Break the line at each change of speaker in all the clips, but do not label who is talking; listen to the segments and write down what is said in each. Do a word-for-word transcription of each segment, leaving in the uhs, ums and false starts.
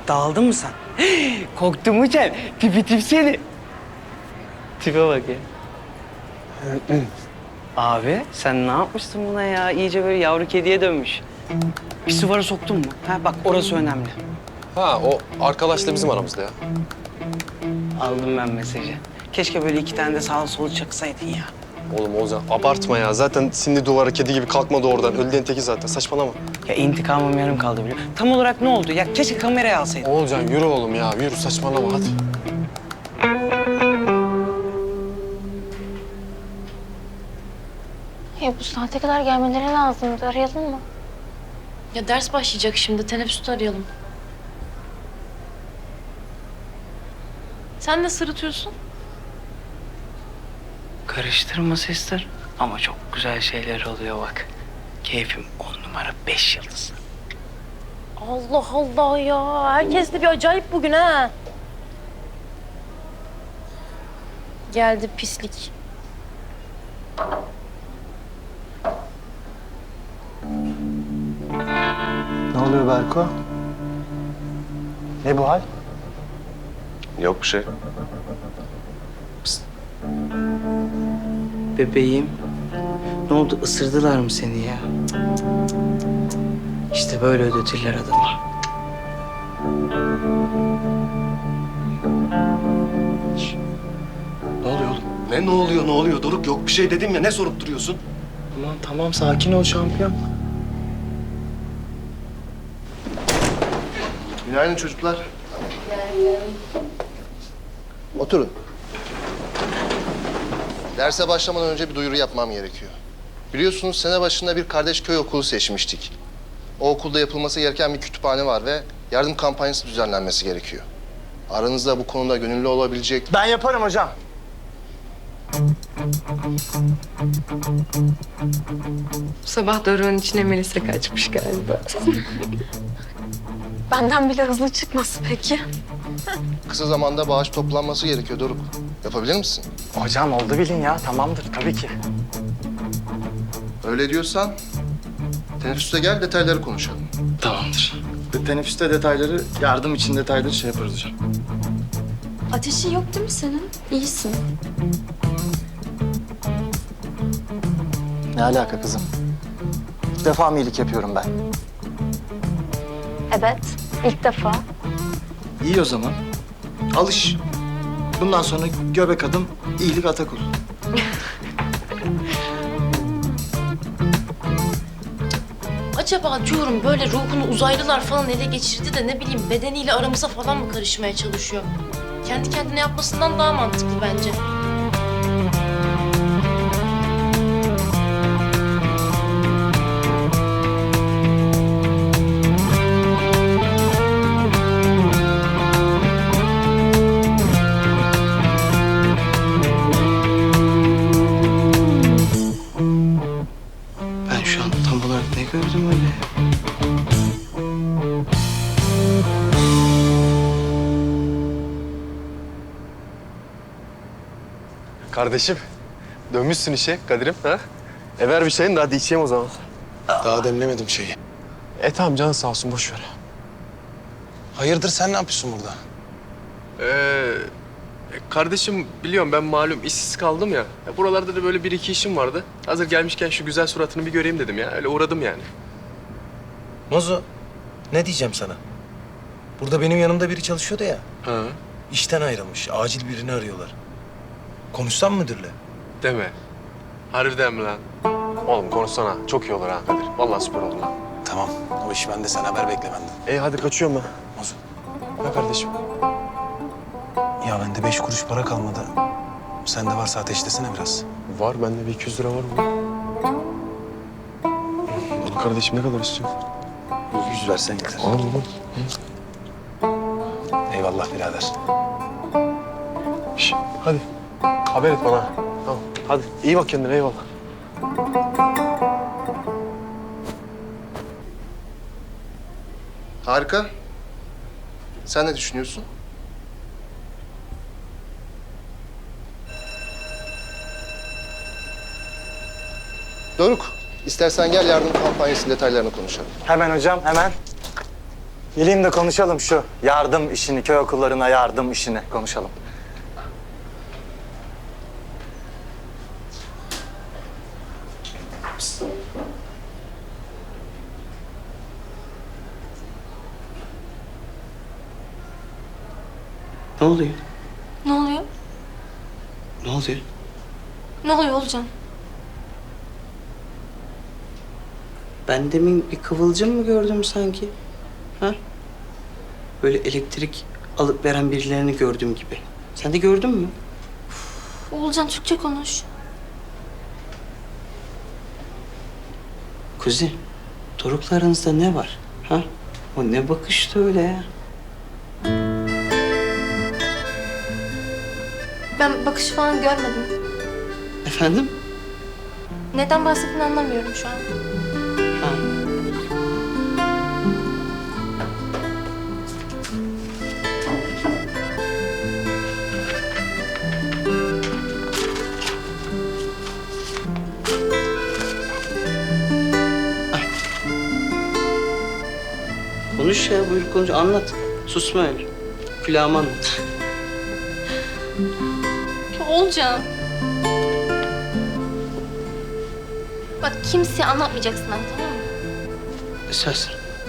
Dağıldın mı sen? Korktun mu sen? Tipi tip seni. Tipe bak ya. Abi sen ne yapmışsın buna ya? İyice böyle yavru kediye dönmüş. Pisuvara soktun mu? Ha bak orası önemli.
Ha o arkadaşla bizim aramızda ya.
Aldım ben mesajı. Keşke böyle iki tane de sağa sola çaksaydın ya.
Oğlum Oğuzhan abartma ya. Zaten sindi duvara kedi gibi kalkmadı oradan. Öldüğün teki zaten. Saçmalama.
Ya intikamım yarım kaldı biliyor. Tam olarak ne oldu? Ya keşke kameraya alsaydın.
Oğuzhan yürü oğlum ya. Yürü saçmalama hadi.
Ya bu saate kadar gelmeleri lazımdı. Arayalım mı?
Ya ders başlayacak şimdi. Teneffüste arayalım. Sen ne sırıtıyorsun?
Karıştırma sesler. Ama çok güzel şeyler oluyor bak. Keyfim on numara beş yıldız.
Allah Allah ya. Herkes de bir acayip bugün ha. Geldi pislik.
Ne oluyor Berko? Ne bu hal?
Yok bir şey.
Bebeğim. Ne oldu? Isırdılar mı seni ya? İşte böyle ödetirler adamı.
Ne oluyor oğlum?
Ne ne oluyor ne oluyor Doruk, yok bir şey dedim ya, ne sorup duruyorsun?
Tamam tamam sakin ol şampiyon.
Günaydın çocuklar. Oturun. Derse başlamadan önce bir duyuru yapmam gerekiyor. Biliyorsunuz sene başında bir kardeş köy okulu seçmiştik. O okulda yapılması gereken bir kütüphane var ve yardım kampanyası düzenlenmesi gerekiyor. Aranızda bu konuda gönüllü olabilecek...
Ben yaparım hocam.
Sabah Doruk'un içine Melisa kaçmış galiba.
Benden bile hızlı çıkması peki.
Kısa zamanda bağış toplanması gerekiyor Doruk. Yapabilir misin?
Hocam oldu bilin ya tamamdır tabii ki.
Öyle diyorsan teneffüste gel, detayları konuşalım.
Tamamdır. Teneffüste detayları, yardım için detayları şey yaparız hocam.
Ateşin yok değil mi senin? İyisin.
Ne alaka kızım? İlk defa mı iyilik yapıyorum ben?
Evet, ilk defa.
İyi o zaman. Alış. Bundan sonra göbek adım, iyilik atak olur.
Acaba diyorum böyle ruhunu uzaylılar falan ele geçirdi de ne bileyim bedeniyle aramıza falan mı karışmaya çalışıyor? Kendi kendine yapmasından daha mantıklı bence.
Ben şu an tam olarak ne gördüm öyle?
Kardeşim dönmüşsün işe Kadir'im ha? E ver bir şeyin de hadi içeyim o zaman.
Daha demlemedim şeyi.
E tamam canın sağ olsun boş ver.
Hayırdır sen ne yapıyorsun burada?
Ee, kardeşim biliyorum ben malum işsiz kaldım ya. Ya buralarda da böyle bir iki işim vardı. Hazır gelmişken şu güzel suratını bir göreyim dedim ya. Öyle uğradım yani.
Mozo, ne diyeceğim sana? Burada benim yanımda biri çalışıyordu ya.
Ha.
İşten ayrılmış. Acil birini arıyorlar. Konuşsam müdürle?
Deme. Harbiden mi lan? Oğlum konuşsana. Çok iyi olur ha Kadir. Vallahi süper olur lan.
Tamam. O iş bende. Sen haber bekle benden.
İyi hadi kaçıyorum ben.
Mozo.
Ha kardeşim.
Ya bende beş kuruş para kalmadı. Sende varsa ateşlesene biraz.
Var bende bir iki yüz lira var mı? Oğlum kardeşim ne kadar istiyorsun?
Yüz versen yeter.
Al oğlum.
Eyvallah birader.
Şş, hadi. Haber et bana. Tamam. Hadi. İyi bak kendine eyvallah.
Harika. Sen ne düşünüyorsun? Doruk, istersen gel yardım kampanyası detaylarını konuşalım.
Hemen hocam hemen. Geleyim de konuşalım şu yardım işini, köy okullarına yardım işini konuşalım.
Ne oluyor?
Ne oluyor?
Ne oluyor?
Ne oluyor Olcan?
Ben demin bir kıvılcım mı gördüm sanki? Ha? Böyle elektrik alıp veren birilerini gördüğüm gibi. Sen de gördün mü?
Olcan Türkçe konuş.
Kuzi, Doruk'la aranızda ne var? Ha? O ne bakıştı öyle ya?
Ben bakış falan görmedim.
Efendim?
Neden bahsettiğini anlamıyorum şu an.
Ha. Konuş ya, buyur konuş. Anlat. Susma öyle. Külahıma anlat.
Olcan. Bak kimseye anlatmayacaksın ama, tamam mı?
Söz.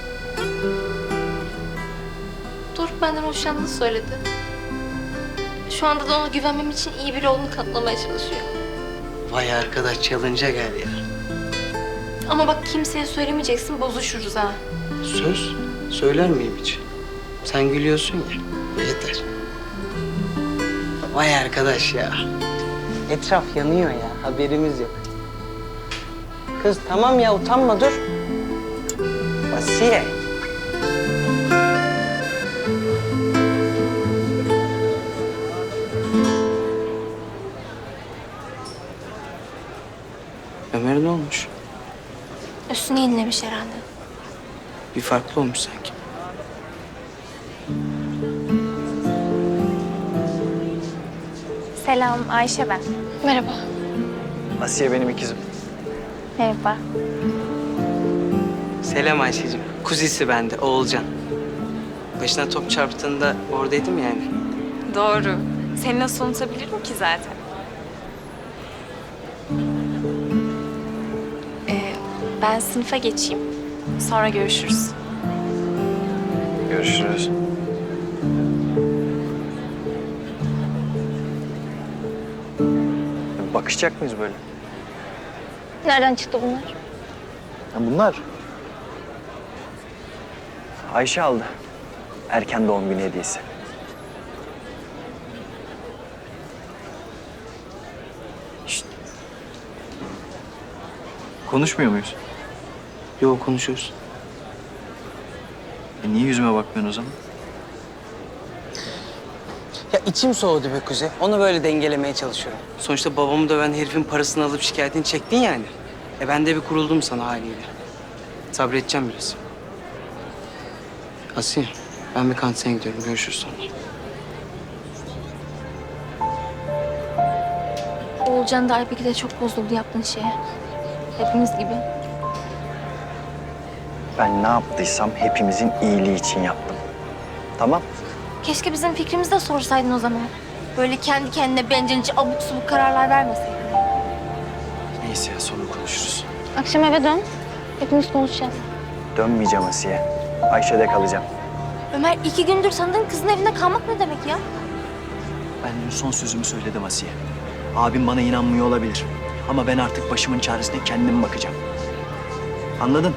Doruk benden hoşlandığını söyledi. Şu anda da ona güvenmem için iyi biri olduğunu kanıtlamaya çalışıyor.
Vay arkadaş, challenge'a gel ya.
Ama bak kimseye söylemeyeceksin, bozuşuruz ha.
Söz. Söyler miyim hiç? Sen gülüyorsun ya. Yeter. Vay arkadaş ya. Etraf yanıyor ya. Haberimiz yok. Kız tamam ya, utanma, dur. Asiye. Ömer ne olmuş?
Üstüne yenilemiş herhalde.
Bir farklı olmuş sanki.
Selam, Ayşe ben.
Merhaba.
Asiye benim ikizim.
Merhaba.
Selam Ayşe'cim. Kuzisi bende, Oğulcan. Başına top çarptığında oradaydım yani.
Doğru. Seni nasıl unutabilirim ki zaten? Ee, ben sınıfa geçeyim. Sonra görüşürüz.
Görüşürüz. Bakışacak mıyız böyle?
Nereden çıktı bunlar?
Ha, bunlar Ayşe aldı. Erken doğum günü hediyesi. Şşt. Konuşmuyor muyuz?
Yok, konuşuyoruz.
E niye yüzüme bakmıyorsun o zaman?
Ya içim soğudu be Kuzey. Onu böyle dengelemeye çalışıyorum. Sonuçta babamı döven herifin parasını alıp şikayetini çektin yani. E ben de bir kuruldum sana haliyle. Sabredeceğim biraz. Asiye, ben bir kantine gidiyorum. Görüşürüz sonra.
Oğulcan da Aybeki de çok bozuldu yaptığın şeye. Hepimiz gibi.
Ben ne yaptıysam hepimizin iyiliği için yaptım. Tamam?
Keşke bizim fikrimizi de sorsaydın o zaman. Böyle kendi kendine bencilce abuk subuk kararlar vermeseydin.
Neyse ya, sonra konuşuruz.
Akşam eve dön. Hepimiz konuşacağız.
Dönmeyeceğim Asiye. Ayşe'de kalacağım.
Ömer iki gündür sandığın kızın evinde kalmak ne demek ya?
Ben dün son sözümü söyledim Asiye. Abim bana inanmıyor olabilir. Ama ben artık başımın çaresine kendim bakacağım. Anladın?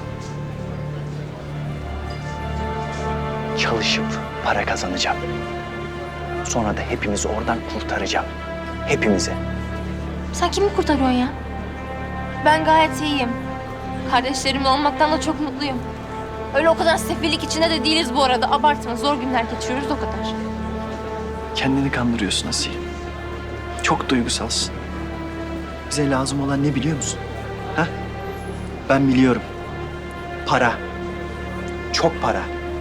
Çalışıp para kazanacağım. Sonra da hepimizi oradan kurtaracağım. Hepimizi.
Sen kimi kurtarıyorsun ya? Ben gayet iyiyim. Kardeşlerimle olmaktan da çok mutluyum. Öyle o kadar sefillik içinde de değiliz bu arada. Abartma, zor günler geçiriyoruz o kadar.
Kendini kandırıyorsun Asiye. Çok duygusalsın. Bize lazım olan ne biliyor musun? Ha? Ben biliyorum. Para. Çok para.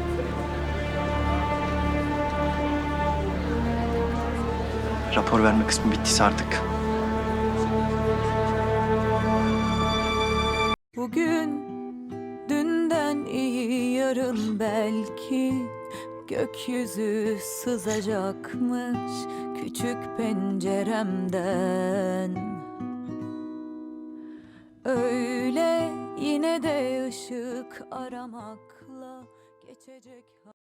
Rapor verme kısmı bittiyse artık.
Bugün dünden iyi yarın yarın belki gökyüzü sızacakmış küçük penceremden. Öyle yine de ışık aramakla geçecek.